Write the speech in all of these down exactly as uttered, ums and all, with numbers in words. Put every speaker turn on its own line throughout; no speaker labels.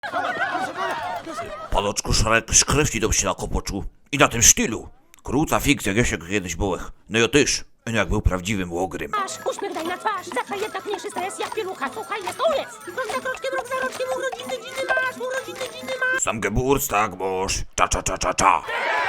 Panoczku Szrek, szkrewci dom się na kopoczu. I na tym sztylu. Króca fikcja, jak się kiedyś byłech. No ja też. No jak był prawdziwym łogrym.
Masz, uśmiech daj na twarz, zachaj jednak mniejszy stres, jak pielucha, słuchaj, jest koniec. Krok za kroczkiem, rok za roczkiem, urodziny dziny masz, urodziny dziny masz.
Sam Geburts, tak boż. Cza, cza, cza, cza, cza.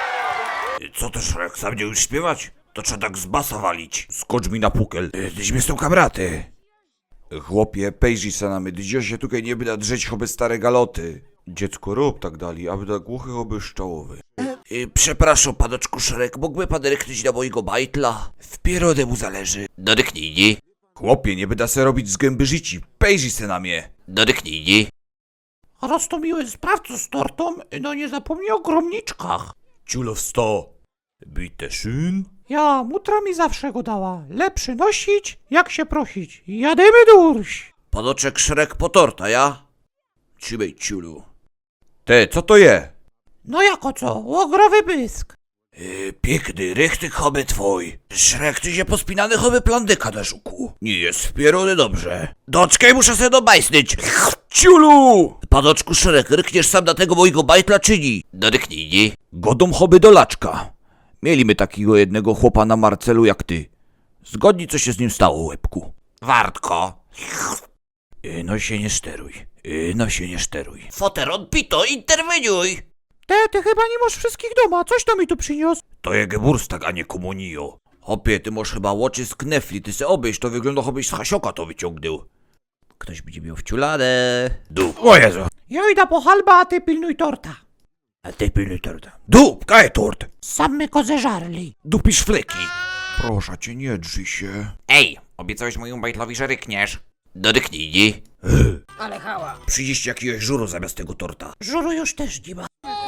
Co to Szrek, sam nie już śpiewać? To trzeba tak z basa walić. Skocz mi na pukel. Tyśmy są kamraty. Chłopie, pejrzyj se na my, dzio się tutaj nie byda drzeć choby stare galoty. Dziecko rób tak dali, aby tak głuchy choby szczałowy. Y, przepraszam, panoczku Szrek, mógłby pan ryknąć na mojego bajtla? W pierodę mu zależy. No ryknijcie. Chłopie, nie byda se robić z gęby życi, pejrzyj se na mnie. No ryknijcie.
Raz to miły sprawco z tortą, no nie zapomnij o gromniczkach.
Ciulo w sto. Bite szyn.
Ja, mutra mi zawsze go dała. Lepszy nosić, jak się prosić. Jademy durś.
Panoczek Szrek po torta, ja? Trzymaj ciulu. Te, co to je?
No jako co, łogrowy bysk.
Yy, piękny, rychty choby twój. Szrek, ty się pospinany choby plandyka na żuku. Nie jest wpierony dobrze. Doczkaj, muszę sobie dobajsnyć. Ciulu! Panoczku Szrek, rykniesz sam na tego mojego bajtla czyni? No ryknij, nie? Godą choby do laczka. Mieliśmy takiego jednego chłopa na Marcelu jak ty. Zgodni, co się z nim stało, łebku. Wartko. Yy, no się nie steruj. Yy, no się nie steruj. Foteron Pito, interweniuj!
Te, ty chyba nie masz wszystkich doma, coś to mi tu przyniósł.
To je Geburstak, a nie komunio. Hopie, ty masz chyba łoczy z knefli, ty se obejść, to wygląda chobyś z Hasioka to wyciągnął. Ktoś będzie miał wciulane. Dup. O Jezu.
Ja idę po halba, a ty pilnuj torta.
A ty pilnuj torta. Dup, kaj tort.
Sam my ko zeżarli.
Dupisz fleki. Proszę cię, nie drzyj się.
Ej, obiecałeś mojemu bajtlowi, że rykniesz.
No ryknij, nie?
Ale hała.
Przyjdziesz jakiegoś żuru zamiast tego torta.
Żuru już też nie ma.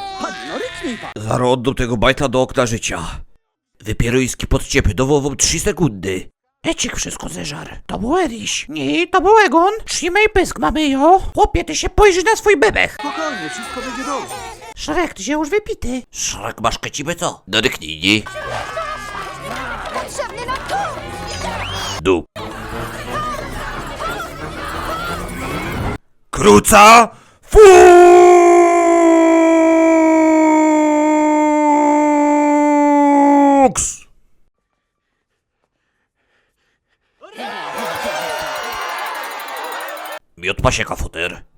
Zaro oddam tego bajtla do okna życia. Wypierujski podciepy, dowową trzy sekundy.
Ecik wszystko zeżar. To był Eriś. Nie, to był Egon. Trzymaj pysk mamy jo. Chłopie, ty się pojrzyj na swój bebech.
Spokojnie, wszystko będzie dobrze.
Szrek, ty się już wypity.
Szrek, masz kecibę co? No ryknij, nie?
Potrzebny nam tu.
Dup. Kruca! Fuks! Miot pasieka, foter.